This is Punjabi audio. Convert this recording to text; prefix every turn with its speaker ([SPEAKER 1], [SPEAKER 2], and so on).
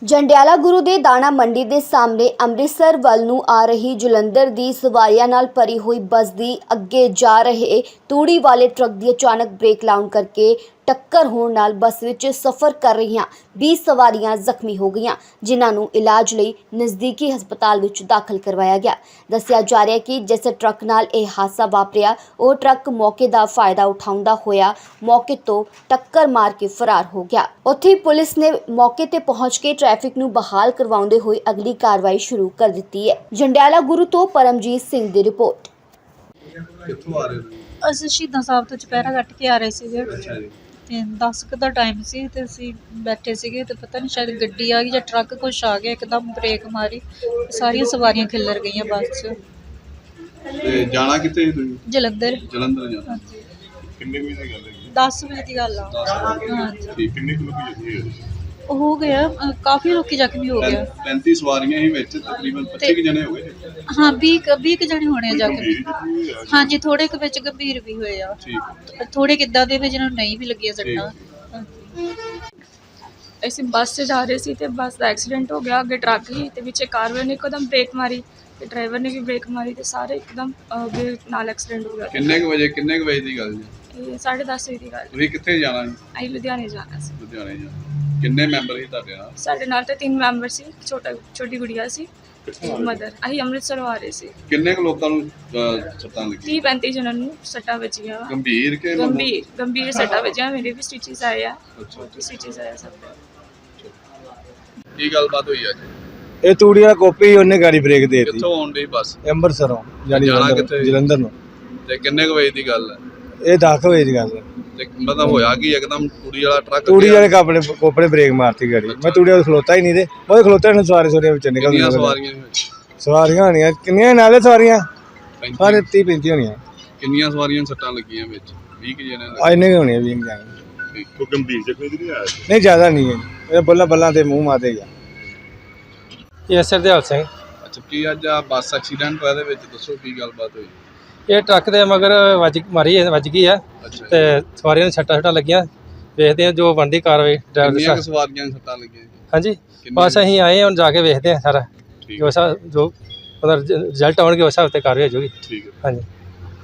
[SPEAKER 1] ਜੰਡਿਆਲਾ ਗੁਰੂ ਦੇ ਦਾਣਾ ਮੰਡੀ ਦੇ ਸਾਹਮਣੇ ਅੰਮ੍ਰਿਤਸਰ ਵੱਲ ਨੂੰ ਆ ਰਹੀ ਜਲੰਧਰ ਦੀ ਸਵਾਰੀਆਂ ਨਾਲ ਭਰੀ ਹੋਈ ਬੱਸ ਦੀ ਅੱਗੇ ਜਾ ਰਹੇ ਤੂੜੀ ਵਾਲੇ ਟਰੱਕ ਦੀ ਅਚਾਨਕ ਬ੍ਰੇਕ ਲਾਉਣ ਕਰਕੇ ਟੱਕਰ ਹੋਣ ਨਾਲ ਬੱਸ ਵਿੱਚ ਸਫ਼ਰ ਕਰ ਰਹੀਆਂ 20 ਸਵਾਰੀਆਂ ਜ਼ਖਮੀ ਹੋ ਗਈਆਂ, ਜਿਨ੍ਹਾਂ ਨੂੰ ਇਲਾਜ ਲਈ ਨਜ਼ਦੀਕੀ ਹਸਪਤਾਲ ਵਿੱਚ ਦਾਖਲ ਕਰਵਾਇਆ ਗਿਆ। ਦੱਸਿਆ ਜਾ ਰਿਹਾ ਹੈ ਕਿ ਜਿਸ ਟਰੱਕ ਨਾਲ ਇਹ ਹਾਦਸਾ ਵਾਪਰਿਆ ਉਹ ਟਰੱਕ ਮੌਕੇ ਦਾ ਫਾਇਦਾ ਉਠਾਉਂਦਾ ਹੋਇਆ ਮੌਕੇ ਤੋਂ ਟੱਕਰ ਮਾਰ ਕੇ ਫਰਾਰ ਹੋ ਗਿਆ। ਉੱਥੇ ਪੁਲਿਸ ਨੇ ਮੌਕੇ ਤੇ ਪਹੁੰਚ ਕੇ ਟ੍ਰੈਫਿਕ ਨੂੰ ਬਹਾਲ ਕਰਵਾਉਂਦੇ ਹੋਏ ਅਗਲੀ ਕਾਰਵਾਈ ਸ਼ੁਰੂ ਕਰ ਦਿੱਤੀ ਹੈ। ਜੰਡਿਆਲਾ ਗੁਰੂ ਤੋਂ ਪਰਮਜੀਤ ਸਿੰਘ ਦੀ ਰਿਪੋਰਟ।
[SPEAKER 2] ਕਿੱਥੋਂ ਆ ਰਹੇ ਹੋ?
[SPEAKER 3] ਅਸੀਂ ਸ਼ਹੀਦਾਂ ਸਾਹਿਬ ਤੋਂ ਚੁਪਹਿਰਾ ਕੱਟ ਕੇ ਆ ਰਹੇ ਸੀਗੇ
[SPEAKER 2] ਅੱਛਾ ਜੀ।
[SPEAKER 3] ਤੇ 10 ਕੁ ਦਾ ਟਾਈਮ ਸੀ ਤੇ ਅਸੀਂ ਬੈਠੇ ਸੀਗੇ ਤੇ ਪਤਾ ਨਹੀਂ ਸ਼ਾਇਦ ਗੱਡੀ ਆ ਗਈ ਜਾਂ ਟਰੱਕ ਕੁਛ ਆ ਗਿਆ, ਇੱਕਦਮ ਬ੍ਰੇਕ ਮਾਰੀ, ਸਾਰੀਆਂ ਸਵਾਰੀਆਂ ਖਿੱਲਰ ਗਈਆਂ ਬੱਸ 'ਚ।
[SPEAKER 2] ਤੇ ਜਾਣਾ ਕਿੱਥੇ ਸੀ ਤੁਸੀਂ?
[SPEAKER 3] ਜਲੰਧਰ।
[SPEAKER 2] ਜਲੰਧਰ ਜਾਣਾ।
[SPEAKER 3] ਹਾਂਜੀ,
[SPEAKER 2] ਕਿੰਨੇ ਵਜੇ ਦੀ ਗੱਲ ਹੈ?
[SPEAKER 3] 10 ਵਜੇ ਦੀ ਗੱਲ ਆ। ਹਾਂਜੀ,
[SPEAKER 2] ਠੀਕ। ਕਿੰਨੇ ਕਿਲੋ ਦੀ ਜੱਜੀ
[SPEAKER 3] ਹੋ ਗਿਆ ਕਾਫੀ ਲੋਕੀ ਜ਼ਖਮੀ ਹੋ ਗਏ।
[SPEAKER 2] 35 ਸਵਾਰੀਆਂ ਹੀ ਵਿੱਚ, ਤਕਰੀਬਨ 25 ਜਣੇ ਹੋ ਗਏ।
[SPEAKER 3] ਹਾਂ 20 ਕੁ ਜਣੇ ਹੋਣੇ ਆ ਜ਼ਖਮੀ। ਹਾਂਜੀ, ਥੋੜੇ ਕੁ ਵਿੱਚ ਗੰਭੀਰ ਵੀ ਹੋਏ ਆ,
[SPEAKER 2] ਠੀਕ।
[SPEAKER 3] ਥੋੜੇ ਕਿੱਦਾਂ ਦੇ ਵੀ ਜਿਹਨਾਂ ਨੂੰ ਨਹੀਂ ਵੀ ਲੱਗੀਆਂ ਸੱਟਾਂ।
[SPEAKER 4] ਅਸੀਂ ਬੱਸ 'ਚ ਜਾ ਰਹੇ ਸੀ ਤੇ ਬੱਸ ਦਾ ਐਕਸੀਡੈਂਟ ਹੋ ਗਿਆ। ਅੱਗੇ ਟਰੱਕ ਸੀ ਤੇ ਪਿੱਛੇ ਕਾਰ ਵਾਲੇ ਨੇ ਇੱਕਦਮ ਬ੍ਰੇਕ ਮਾਰੀ ਤੇ ਡਰਾਈਵਰ ਨੇ ਵੀ ਬ੍ਰੇਕ ਮਾਰੀ ਤੇ ਸਾਰੇ ਇੱਕਦਮ ਨਾਲ ਐਕਸੀਡੈਂਟ ਹੋ ਗਿਆ।
[SPEAKER 2] ਕਿੰਨੇ ਕੁ ਵਜੇ ਦੀ ਗੱਲ ਜੀ?
[SPEAKER 4] ਇਹ 10:30 ਵਜੇ ਦੀ ਗੱਲ।
[SPEAKER 2] ਤੁਸੀਂ ਕਿੱਥੇ ਜਾਣਾ ਜੀ?
[SPEAKER 4] ਅਸੀਂ ਲੁਧਿਆਣੇ ਜਾਣਾ ਸੀ।
[SPEAKER 2] ਲੁਧਿਆਣੇ ਜਾਣਾ। ਕਿੰਨੇ ਮੈਂਬਰ ਸੀ ਤੁਹਾਡੇ ਨਾਲ?
[SPEAKER 4] ਸਾਡੇ ਨਾਲ ਤਾਂ 3 ਮੈਂਬਰ ਸੀ, ਛੋਟੀ ਗੁੜੀਆ ਸੀ, ਮਦਰ। ਅਸੀਂ ਅੰਮ੍ਰਿਤਸਰੋਂ ਆ ਰਹੇ ਸੀ।
[SPEAKER 2] ਕਿੰਨੇ ਕੁ ਲੋਕਾਂ ਨੂੰ ਸੱਟਾਂ ਲੱਗੀਆਂ?
[SPEAKER 4] 30-35 ਜਣਾਂ ਨੂੰ ਸੱਟਾਂ ਵੱਜੀਆਂ।
[SPEAKER 2] ਗੰਭੀਰ ਕਿ
[SPEAKER 4] ਗੰਭੀਰ ਸੱਟਾਂ ਵੱਜੀਆਂ। ਮੇਰੇ ਵੀ ਸਟਿਚਸ ਆਏ ਆ।
[SPEAKER 2] ਅੱਛਾ।
[SPEAKER 4] ਸਟਿਚਸ ਆਏ ਸਭ ਦੇ।
[SPEAKER 2] ਕੀ ਗੱਲਬਾਤ ਹੋਈ ਅੱਜ?
[SPEAKER 5] ਇਹ ਤੂੜੀ ਵਾਲਾ ਕੋਪੀ ਉਹਨੇ ਗਾੜੀ ਬ੍ਰੇਕ ਦੇ ਦਿੱਤੀ।
[SPEAKER 2] ਕਿੱਥੋਂ ਆਉਣ ਡਈ ਬੱਸ?
[SPEAKER 5] ਅੰਮ੍ਰਿਤਸਰੋਂ ਜਾਣੀ
[SPEAKER 2] ਜਾਣਾ ਕਿੱਥੇ?
[SPEAKER 5] ਜਲੰਧਰ ਨੂੰ।
[SPEAKER 2] ਤੇ ਕਿੰਨੇ ਕੁ ਵਜੇ ਦੀ ਗੱਲ ਹੈ?
[SPEAKER 5] ਇਹ 10 ਵਜੇ ਦੀ ਗੱਲ ਹੈ।
[SPEAKER 2] ਤੇ ਮਤਲਬ ਹੋਇਆ ਕਿ ਇੱਕਦਮ ਤੂੜੀ ਵਾਲਾ ਟਰੱਕ
[SPEAKER 5] ਤੂੜੀ ਵਾਲੇ ਕੋਪੜੇ ਬ੍ਰੇਕ ਮਾਰਤੀ ਗਾੜੀ। ਮੈਂ ਤੂੜੀ ਵਾਲਾ ਖਲੋਤਾ ਹੀ ਨਹੀਂ ਤੇ ਉਹ ਖਲੋਤਾ ਨੂੰ ਸਵਾਰੀਆਂ ਵਿੱਚ ਨਿਕਲ
[SPEAKER 2] ਕਿੰਨੀਆਂ ਸਵਾਰੀਆਂ ਸੀ ਵਿੱਚ?
[SPEAKER 5] ਸਵਾਰੀਆਂ ਹੋਣੀਆਂ ਕਿੰਨੀਆਂ ਨਾਲੇ ਸਵਾਰੀਆਂ
[SPEAKER 2] 35?
[SPEAKER 5] ਸਾਰੇ 30-35 ਹੋਣੀਆਂ।
[SPEAKER 2] ਕਿੰਨੀਆਂ ਸਵਾਰੀਆਂ ਸੱਟਾਂ ਲੱਗੀਆਂ ਵਿੱਚ? 20 ਕਿ ਜਣੇ
[SPEAKER 5] ਆ ਇੰਨੇ ਹੋਣੀਆਂ 20 ਜਾਣੇ।
[SPEAKER 2] ਕੋਈ ਗੰਭੀਰ ਜ਼ਖਮੀ ਨਹੀਂ ਆਇਆ?
[SPEAKER 5] ਨਹੀਂ ਜ਼ਿਆਦਾ ਨਹੀਂ ਹੈ, ਇਹ ਬੱਲਾਂ ਤੇ ਮੂੰਹ ਮਾਰਦੇ ਗਿਆ। ਇਹ ਸਰਦੇਵ ਸਿੰਘ।
[SPEAKER 2] ਅੱਛਾ, ਕੀ ਅੱਜ ਆ ਬੱਸ ਐਕਸੀਡੈਂਟ ਹੋਇਆ? ਦੇ ਵਿੱਚ ਦੱਸੋ ਕੀ ਗੱਲਬਾਤ ਹੋਈ?
[SPEAKER 5] ਇਹ ਟਰੱਕ ਦੇ ਮਗਰ ਵੱਜ ਗਈ ਆ
[SPEAKER 2] ਅੱਛਾ।
[SPEAKER 5] ਤੇ ਸਵਾਰੀਆਂ ਨੂੰ ਸੱਟਾਂ ਲੱਗੀਆਂ। ਵੇਖਦੇ ਆ ਜੋ ਬਣਦੀ ਕਾਰਵਾਈ ਡਰਾਈਵਰ
[SPEAKER 2] ਕਿੰਨੀਆਂ ਕੁ ਸਵਾਰੀਆਂ ਨੂੰ ਸੱਟਾਂ ਲੱਗੀਆਂ?
[SPEAKER 5] ਹਾਂਜੀ, ਬਸ ਅਸੀਂ ਆਏ ਹੁਣ ਜਾ ਕੇ ਵੇਖਦੇ ਆ ਸਾਰਾ
[SPEAKER 2] ਠੀਕ
[SPEAKER 5] ਜੋ ਉਹਦਾ ਰਿਜ਼ਲਟ ਆਉਣਗੇ ਉਸ ਹਿਸਾਬ ਤੇ ਕਾਰਵਾਈ ਹੋ ਜਾਊਗੀ।
[SPEAKER 2] ਠੀਕ ਹੈ।
[SPEAKER 5] ਹਾਂਜੀ।